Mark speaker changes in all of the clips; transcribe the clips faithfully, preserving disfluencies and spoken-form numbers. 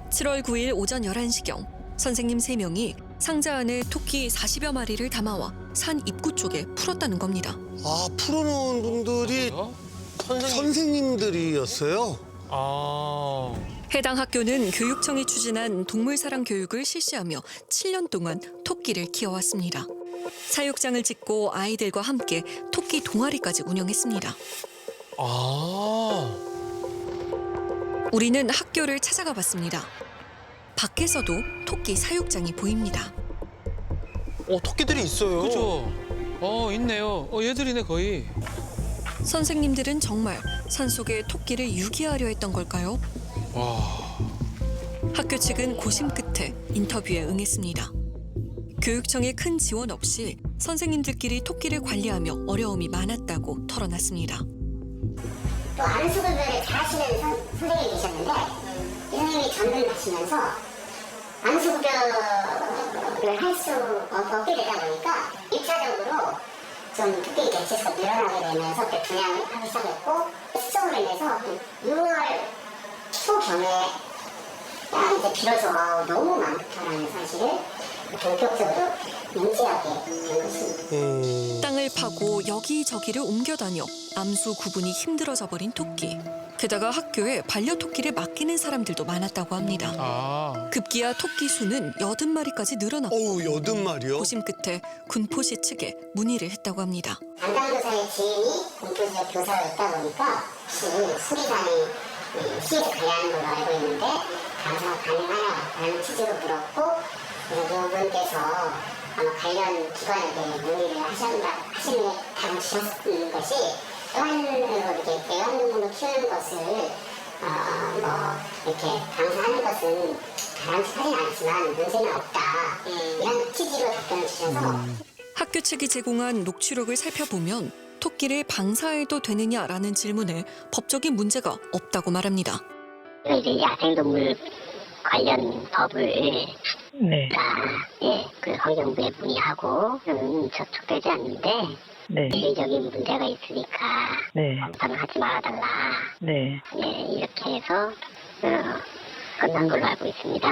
Speaker 1: 칠월 구일 오전 열한 시경 선생님 세 명이 상자 안에 토끼 사십여 마리를 담아와 산 입구 쪽에 풀었다는 겁니다.
Speaker 2: 아, 풀어놓은 분들이 선생님들이었어요?
Speaker 3: 아.
Speaker 1: 해당 학교는 교육청이 추진한 동물사랑 교육을 실시하며 칠 년 동안 토끼를 키워왔습니다. 사육장을 짓고 아이들과 함께 토끼 동아리까지 운영했습니다.
Speaker 3: 아.
Speaker 1: 우리는 학교를 찾아가 봤습니다. 밖에서도 토끼 사육장이 보입니다.
Speaker 3: 어, 토끼들이 있어요.
Speaker 4: 그죠? 어, 있네요. 어, 얘들이네, 거의.
Speaker 1: 선생님들은 정말 산속에 토끼를 유기하려 했던 걸까요?
Speaker 4: 와.
Speaker 1: 학교 측은 고심 끝에 인터뷰에 응했습니다. 교육청의 큰 지원 없이 선생님들끼리 토끼를 관리하며 어려움이 많았다고 털어놨습니다.
Speaker 5: 또 안수급여를 잘하시는 선, 선생님이 계셨는데 이 선생님이 전등하시면서 안수급여를 할 수 없게 되다 보니까 일 차적으로 좀 토끼 개체수가 늘어나게 되면서 그때 분양을 하기 시작했고 수정으로 인해서 유월 초경에 야 이제 비로소 너무 많다라는 사실을 본격적으로 인지하게 된 것입니다.
Speaker 2: 음...
Speaker 1: 땅을 파고 여기저기를 옮겨다녀 암수 구분이 힘들어져 버린 토끼. 게다가 학교에 반려토끼를 맡기는 사람들도 많았다고 합니다.
Speaker 4: 아.
Speaker 1: 급기야 토끼 수는 여든 마리까지 늘어났고
Speaker 2: 어우, 여든 마리요?
Speaker 1: 고심 끝에 군포시 측에 문의를 했다고 합니다.
Speaker 5: 담당교사의 지인이 공교지역 교사가 있다 보니까 혹시 수리산에 시에서 관리하는 걸로 알고 있는데 감사가 가능하냐라는 취지로 물었고 그래서 이분께서 아마 관련 기관에게 문의를 하신다, 하시는 게 답을 주셨는 것이 애완으로 이렇게 애완동물로 키우는 것을 어, 뭐 이렇게 강사하는 것은 바람직하진 않지만 문제는 없다 이런 취지로 답변을 주셔서
Speaker 2: 음.
Speaker 1: 학교 측이 제공한 녹취록을 살펴보면 토끼를 방사해도 되느냐라는 질문에 법적인 문제가 없다고 말합니다.
Speaker 5: 이제 야생동물 관련 법을
Speaker 6: 네,
Speaker 5: 다, 예, 그 환경부에 문의하고 음, 접촉되지 않는데
Speaker 6: 네,
Speaker 5: 윤리적인 문제가 있으니까
Speaker 6: 네,
Speaker 5: 검사를 하지 말아달라.
Speaker 6: 네.
Speaker 5: 예, 이렇게 해서 어, 끝난 걸로 알고 있습니다.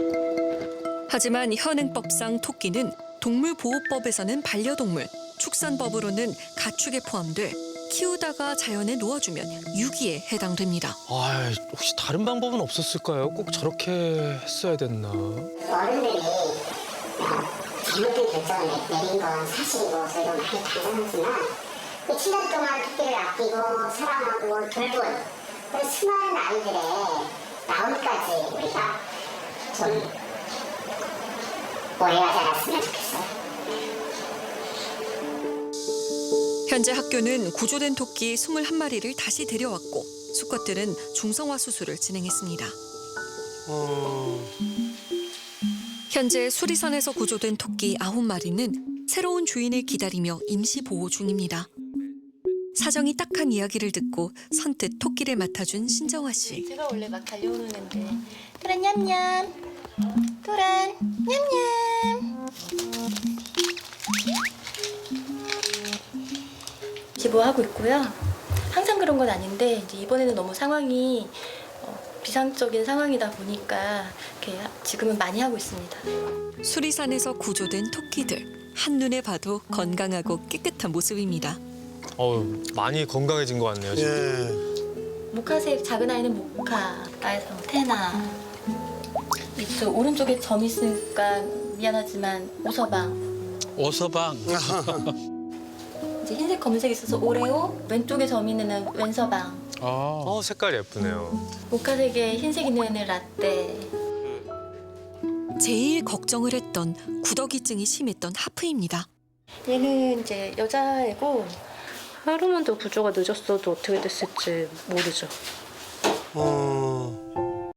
Speaker 1: 하지만 현행법상 토끼는 동물보호법에서는 반려동물, 축산법으로는 가축에 포함돼 키우다가 자연에 놓아주면 유기에 해당됩니다.
Speaker 3: 아, 혹시 다른 방법은 없었을까요? 꼭 저렇게 했어야 됐나?
Speaker 5: 어른들이 어, 잘못된 결정을 내- 내린 건 사실이고 저희도 많이 반성하지만 그 칠 년 동안 토끼를 아끼고 사랑하고 돌본 그 수많은 아이들의 마음까지 우리가 좀 오해하지 않았으면 좋겠어요.
Speaker 1: 현재 학교는 구조된 토끼 이십일 마리를 다시 데려왔고 수컷들은 중성화 수술을 진행했습니다.
Speaker 2: 어...
Speaker 1: 현재 수리산에서 구조된 토끼 아홉 마리는 새로운 주인을 기다리며 임시 보호 중입니다. 사정이 딱한 이야기를 듣고 선뜻 토끼를 맡아준 신정화 씨.
Speaker 7: 제가 원래 막 달려오는 앤데 토란 냠냠 토란 냠냠 기부하고 있고요. 항상 그런 건 아닌데 이제 이번에는 너무 상황이 어, 비상적인 상황이다 보니까 이렇게 지금은 많이 하고 있습니다.
Speaker 1: 수리산에서 구조된 토끼들. 한눈에 봐도 건강하고 깨끗한 모습입니다.
Speaker 3: 어우, 많이 건강해진 것 같네요, 지금.
Speaker 2: 예.
Speaker 7: 모카색 작은 아이는 모카, 나에서 테나. 이쪽 오른쪽에 점 있으니까 미안하지만 오서방.
Speaker 4: 오서방.
Speaker 7: 이제 흰색 검은색 있어서 오레오, 왼쪽에 점 있는 애는 왼서방.
Speaker 4: 아.
Speaker 3: 어, 색깔이 예쁘네요.
Speaker 7: 모카색에 흰색 있는 애는 라떼.
Speaker 1: 제일 걱정을 했던 구더기증이 심했던 하프입니다.
Speaker 7: 얘는 이제 여자애고
Speaker 6: 하루만 더 구조가 늦었어도 어떻게 됐을지 모르죠.
Speaker 2: 어...